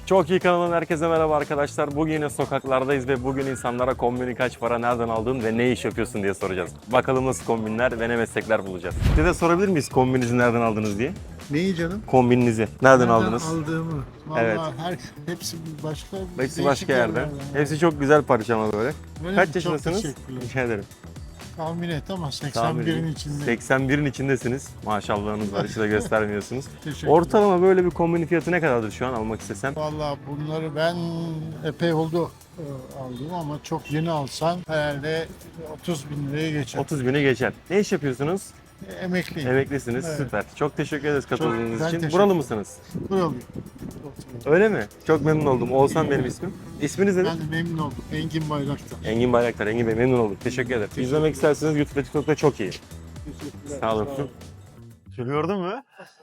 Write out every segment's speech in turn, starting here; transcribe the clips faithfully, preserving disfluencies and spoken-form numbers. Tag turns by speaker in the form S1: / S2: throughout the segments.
S1: Çok iyi kanalın herkese merhaba arkadaşlar. Bugün yine sokaklardayız ve bugün insanlara kombini kaç para, nereden aldın ve ne iş yapıyorsun diye soracağız. Bakalım nasıl kombinler ve ne meslekler bulacağız. Size de sorabilir miyiz kombinizi nereden aldınız diye?
S2: Neyi canım?
S1: Kombininizi nereden,
S2: Nereden
S1: aldınız?
S2: aldığımı. Vallahi
S1: Evet.
S2: her hepsi başka.
S1: Hepsi
S2: değişik
S1: başka yerden.
S2: yerlerden.
S1: Hepsi çok güzel parça ama böyle.
S2: Öyle
S1: Kaç
S2: mi?
S1: yaşındasınız?
S2: Çok teşekkürler.
S1: Rica ederim.
S2: Tahmin et ama
S1: Tahmin
S2: seksen birin
S1: edeyim.
S2: içinde.
S1: seksen birin içindesiniz. Maşallahınız var, hiç de göstermiyorsunuz.
S2: Teşekkürler.
S1: Ortalama böyle bir kombini fiyatı ne kadardır şu an almak istesem?
S2: Vallahi bunları ben epey oldu e, aldım ama çok yeni alsan herhalde otuz bin liraya geçer.
S1: otuz bini geçer. Ne iş yapıyorsunuz?
S2: E, Emekliyim.
S1: Emeklisiniz.
S2: Evet.
S1: Süper. Çok teşekkür ederiz katıldığınız
S2: ben
S1: için.
S2: teşekkür
S1: Buralı
S2: ederim.
S1: mısınız?
S2: Buralıyım.
S1: Öyle mi? Çok memnun oldum. Oğuzhan benim ismim. İsminiz nedir?
S2: Ben de memnun oldum. Engin Bayraktar.
S1: Engin Bayraktar. Engin Bey memnun olduk. Teşekkür ederim. İzlemek isterseniz YouTube ve TikTok'ta çok iyi.
S2: Teşekkürler.
S1: Sağ olun. Şunu gördün mü?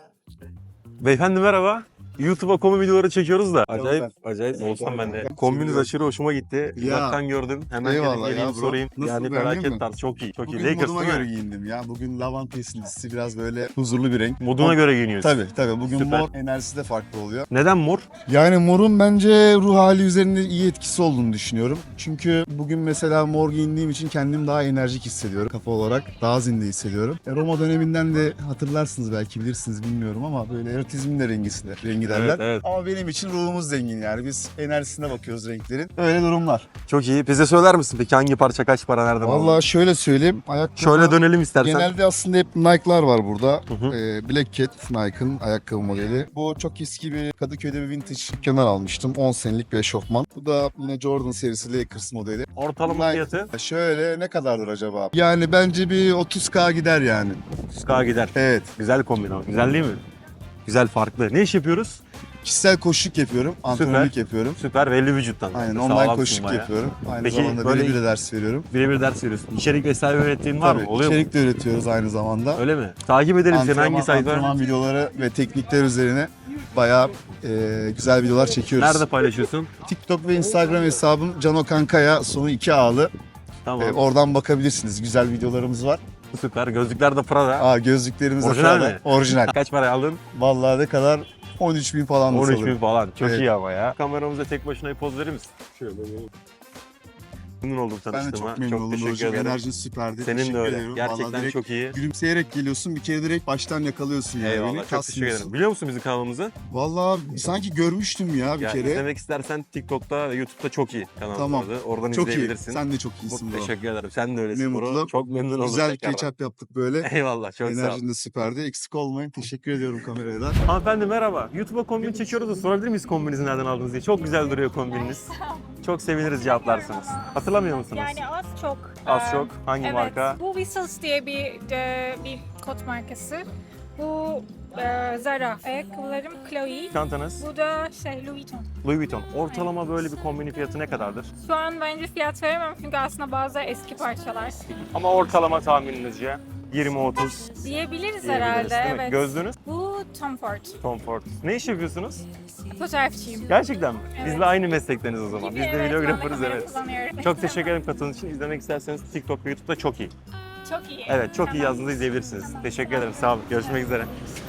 S1: Beyefendi merhaba. YouTube'a kombi videoları çekiyoruz da. Acayip, acayip olsam ben de. Kombiniz aşırı hoşuma gitti.
S3: Ya.
S1: Uzaktan gördüm. Hemen
S3: Eyvallah
S1: gelip geleyim
S3: ya bro.
S1: sorayım.
S3: Nasıl,
S1: yani
S3: beğendin
S1: felaket
S3: mi?
S1: tarz. Çok iyi. Çok iyi.
S3: Bugün
S1: Lakers
S3: moduma
S1: değil
S3: göre
S1: mi?
S3: giyindim ya. Bugün lavanta esintisi biraz böyle huzurlu bir renk.
S1: Moduna
S3: Mor-
S1: göre giyiniyorsun.
S3: Tabii tabii. Bugün
S1: Süper.
S3: mor enerjisi de farklı oluyor.
S1: Neden mor?
S3: Yani morun bence ruh hali üzerinde iyi etkisi olduğunu düşünüyorum. Çünkü bugün mesela mor giyindiğim için kendimi daha enerjik hissediyorum. Kafa olarak daha zinde hissediyorum. E, Roma döneminden de hatırlarsınız belki bilirsiniz bilmiyorum ama böyle erotizmin de rengisi de rengi derler.
S1: Evet, evet.
S3: Ama benim için ruhumuz zengin yani. Biz enerjisine bakıyoruz renklerin. Öyle durumlar.
S1: Çok iyi. Bize söyler misin peki hangi parça kaç para, nereden aldın?
S3: Vallahi şöyle söyleyeyim. Ayakkabı...
S1: Şöyle dönelim istersen.
S3: Genelde aslında hep Nike'lar var burada.
S1: Hı hı.
S3: Ee, Black Cat Nike'ın ayakkabı modeli. Bu çok eski bir Kadıköy'de bir vintage dükkandan almıştım. on senelik bir eşofman. Bu da yine Jordan serisi Lakers modeli.
S1: Ortalama
S3: Nike-
S1: fiyatı
S3: Şöyle ne kadardır acaba? Yani bence bir otuz bin gider yani.
S1: yüz bin gider.
S3: Evet.
S1: Güzel kombin ama. Güzel değil mi? Güzel, farklı. Ne iş yapıyoruz?
S3: Kişisel koşuluk yapıyorum. Antrenörlük yapıyorum.
S1: Süper, belli vücuttan.
S3: Aynen
S1: Sağlamsın
S3: online koşuluk
S1: bayağı.
S3: yapıyorum. Aynı
S1: Peki,
S3: zamanda
S1: böyle-
S3: birebir de ders veriyorum.
S1: Birebir ders veriyorsun. İçerik vesaire ürettiğin var
S3: Tabii
S1: mı? Oluyor
S3: içerik de üretiyoruz aynı zamanda.
S1: mu? Öyle mi? Takip edelim seni,
S3: Antrenman,
S1: hangi sayfa?
S3: antrenman videoları ve teknikler üzerine bayağı e, güzel videolar çekiyoruz.
S1: Nerede paylaşıyorsun?
S3: TikTok ve Instagram hesabım Cano Kankaya sonu iki A'lı.
S1: Tamam.
S3: E, oradan bakabilirsiniz. Güzel videolarımız var.
S1: Süper. Gözlükler de Prada.
S3: Aa gözlüklerimiz de
S1: Orijinal
S3: Prada.
S1: mi?
S3: Orijinal.
S1: Kaç para aldın?
S3: Vallahi ne kadar? on üç bin falan da
S1: on üç bin
S3: sanırım.
S1: falan. Çok
S3: Evet.
S1: iyi ama ya. Kameramıza tek başına bir poz verir misin? Şöyle. Memnun oldum
S3: Ben de
S1: tanıştığıma.
S3: çok memnun oldum.
S1: teşekkür
S3: Hocam.
S1: ederim.
S3: Enerjin süperdi.
S1: Senin
S3: Teşekkür
S1: de öyle.
S3: ediyorum.
S1: Gerçekten
S3: Vallahi direkt
S1: çok iyi.
S3: gülümseyerek geliyorsun. Bir kere direkt baştan yakalıyorsun yani.
S1: Eyvallah.
S3: Beni
S1: Çok teşekkür
S3: kasmıyorsun.
S1: ederim. Biliyor musun bizim kanalımızı?
S3: Vallahi sanki görmüştüm ya bir
S1: Ya
S3: kere.
S1: izlemek istersen TikTok'ta ve YouTube'da çok iyi kanalımız.
S3: Tamam.
S1: Oradan
S3: Çok iyi.
S1: izleyebilirsin.
S3: Sen de çok
S1: Çok
S3: iyisin bro.
S1: teşekkür ederim. Sen de öylesin
S3: Ne
S1: bro.
S3: mutlu.
S1: Çok memnun oldum
S3: Güzel
S1: tekrardan.
S3: catch-up yaptık böyle.
S1: Eyvallah. Çok sağ ol.
S3: Enerjin de süperdi. Eksik olmayın. Teşekkür ediyorum kameraya da.
S1: Hanımefendi merhaba. YouTube'a kombin çekiyoruz da sorabilir miyiz kombinizi nereden aldınız diye. Çok güzel duruyor kombininiz. Çok seviniriz cevaplarsınız. Hatırlamıyor musunuz?
S4: Yani az çok.
S1: Az
S4: Ee,
S1: çok. Hangi
S4: evet,
S1: marka?
S4: Bu Whistles diye bir de, bir kot markası. Bu e, Zara. Ayakkabılarım Chloe.
S1: Çantanız?
S4: Bu da şey Louis Vuitton.
S1: Louis Vuitton. Ortalama böyle bir kombinin fiyatı ne kadardır?
S4: Şu an bence fiyat veremem çünkü aslında bazı eski parçalar.
S1: Ama ortalama tahmininizce yirmi otuz
S4: Diyebiliriz
S1: diyebiliriz
S4: herhalde,
S1: değil mi?
S4: evet.
S1: Gözlüğünüz?
S4: Bu Tom Ford.
S1: Tom Ford. Ne iş yapıyorsunuz?
S4: Fotoğrafçıyım.
S1: Gerçekten mi?
S4: Evet.
S1: Bizle aynı meslekteniz o zaman. Biz de
S4: Evet,
S1: videografırız,
S4: ben de kamera
S1: evet.
S4: kullanıyorum.
S1: Çok teşekkür ederim katıldığınız için. İzlemek isterseniz TikTok ve YouTube'da çok iyi.
S4: Çok iyi.
S1: Evet, çok iyi
S4: Tamam.
S1: yazdığınızda izleyebilirsiniz. Teşekkür ederim. Sağ olun. Görüşmek üzere.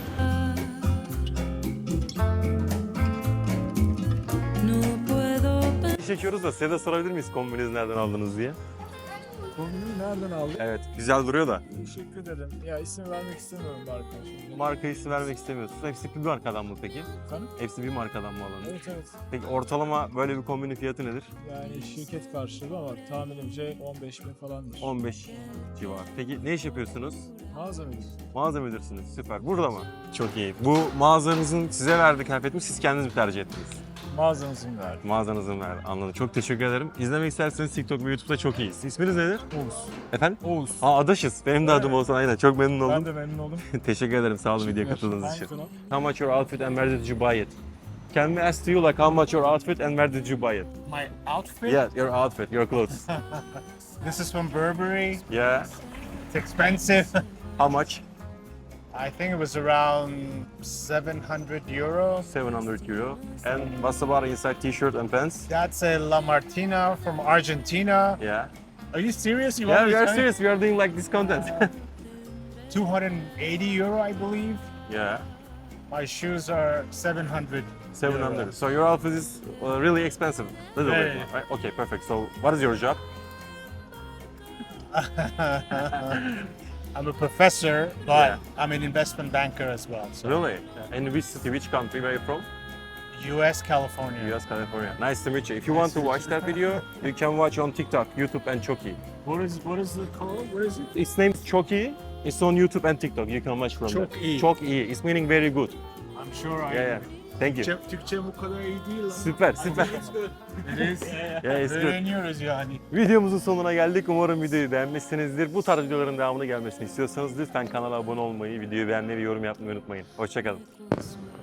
S1: İş çekiyoruz da size de sorabilir miyiz kombinizi nereden aldınız diye?
S5: Kombini nereden aldın?
S1: Evet, güzel duruyor da.
S5: Teşekkür ederim. Ya isim vermek istemiyorum marka şimdi.
S1: Marka ismi vermek istemiyorsunuz. Hepsi bir markadan mı peki?
S5: Efendim?
S1: Hepsi bir markadan mı alındı?
S5: Evet evet.
S1: Peki ortalama böyle bir kombinin fiyatı nedir?
S5: Yani şirket karşılığı ama tahminimce on beş bin falandır.
S1: on beş civarı. Peki ne iş yapıyorsunuz?
S5: Mağaza mıydı?
S1: Mağaza müdürsünüz. Süper. Burada mı? Çok iyi. Bu mağazanızın size verdiği kıyafet mi, siz kendiniz mi tercih ettiniz?
S5: Mağazanızın verdi.
S1: Mağazanızın verdi. Anladım. Çok teşekkür ederim. İzlemek isterseniz TikTok ve YouTube'da çok iyiyiz. İsminiz nedir?
S5: Oğuz.
S1: Efendim?
S5: Oğuz.
S1: Aa, adaşız. Benim de adım Oğuzhan, aynen. Çok memnun oldum.
S5: Ben de memnun oldum.
S1: Teşekkür ederim. Sağ olun videoya
S5: Teşekkürler.
S1: katıldığınız için.
S5: Hangi kanal?
S1: How much your outfit and where did you buy it? Can we ask to you like how much your outfit and where did you buy it?
S6: My outfit?
S1: Yeah, your outfit, your clothes.
S6: This is from Burberry.
S1: Yeah.
S6: It's expensive.
S1: How much?
S6: I think it was around seven hundred euro.
S1: seven hundred euro. And what's about inside t-shirt and pants?
S6: That's a La Martina from Argentina.
S1: Yeah.
S6: Are you serious? You
S1: Yeah,
S6: want
S1: we
S6: me
S1: are
S6: to tell you?
S1: serious. We are doing like this content.
S6: two hundred eighty euro, I believe.
S1: Yeah.
S6: My shoes are seven hundred.
S1: seven hundred. So your outfit is uh, really expensive. Little
S6: Yeah,
S1: bit,
S6: yeah.
S1: right? Okay, perfect. So what is your job?
S6: I'm a professor, but
S1: Yeah.
S6: I'm an investment banker as well. So
S1: Really? And which city, which country, where are you from?
S6: U S, California.
S1: U S, California. Nice to meet you. If you want to watch that video, you can watch on TikTok, YouTube and Choki.
S6: What is what is it called? What is it?
S1: Its name is Choki. It's on YouTube and TikTok. You can watch from there.
S6: Çok iyi.
S1: Çok iyi. It's meaning very good.
S6: I'm sure I.
S1: Yeah, yeah. Thank you.
S6: Türkçe, Türkçe bu kadar iyi değil lan.
S1: Süper, süper.
S6: It is.
S1: Yeah, it's good.
S6: Öğreniyoruz yani.
S1: Videomuzun sonuna geldik. Umarım videoyu beğenmişsinizdir. Bu tarz videoların devamını gelmesini istiyorsanız lütfen kanala abone olmayı, videoyu beğenmeyi ve yorum yapmayı unutmayın. Hoşçakalın.